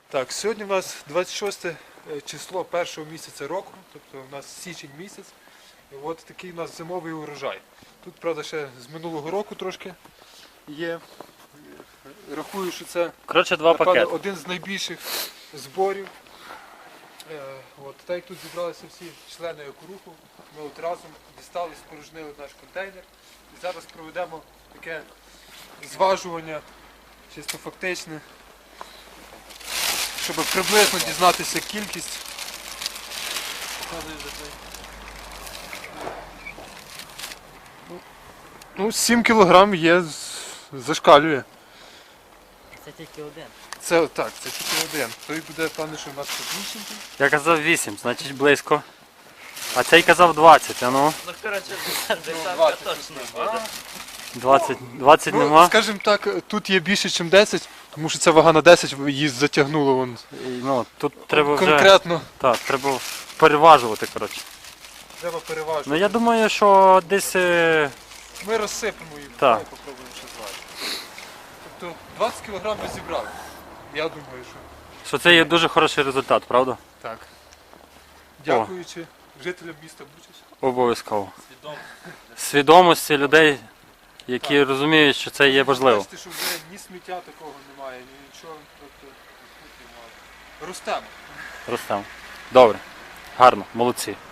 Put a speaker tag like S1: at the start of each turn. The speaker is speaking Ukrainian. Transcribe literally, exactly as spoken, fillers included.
S1: Так, сьогодні у нас двадцять шосте число першого місяця року, тобто у нас січень місяць. І от такий у нас зимовий урожай. Тут, правда, ще з минулого року трошки є. Рахую, що це
S2: Коротше, два
S1: напевно,
S2: пакети.
S1: один з найбільших зборів. Е, От, так як тут зібралися всі члени екоруху, ми от разом дістали, спорожнили наш контейнер. І зараз проведемо таке зважування, чисто фактичне, щоб приблизно дізнатися кількість. Ну, сім кілограм є, з- зашкалює.
S3: Це тільки один.
S1: Це так, це тільки один. Той буде, певне, що у нас підвищений.
S2: Я казав вісім, значить близько. А цей казав двадцять, а ну.
S3: Ну, коротше, десятка
S1: двадцять
S3: точно
S1: А?
S3: буде.
S2: двадцять, двадцять
S1: Ну,
S2: нема.
S1: скажімо так, тут є більше, ніж десять, тому що ця вага на десять її затягнуло вон.
S2: І, ну, тут треба вже.
S1: Конкретно.
S2: Так, треба переважувати, коротше.
S1: Треба переважити.
S2: Ну я думаю, що десь. е,
S1: Ми розсипемо її,
S2: Так.
S1: давай попробуємо ще зважити. Тобто двадцять кілограм ми зібрали. Я думаю, що
S2: що це є дуже хороший результат, правда?
S1: так. Дякуючи жителям міста Бучач.
S2: Обов'язково.
S3: Свідомо.
S2: Свідомості людей, які розуміють, що це є важливо.
S1: Бачите, що вже ні сміття такого немає, ні нічого. Тобто, тут немає. Ростемо.
S2: Ростемо. Добре. Гарно, молодці.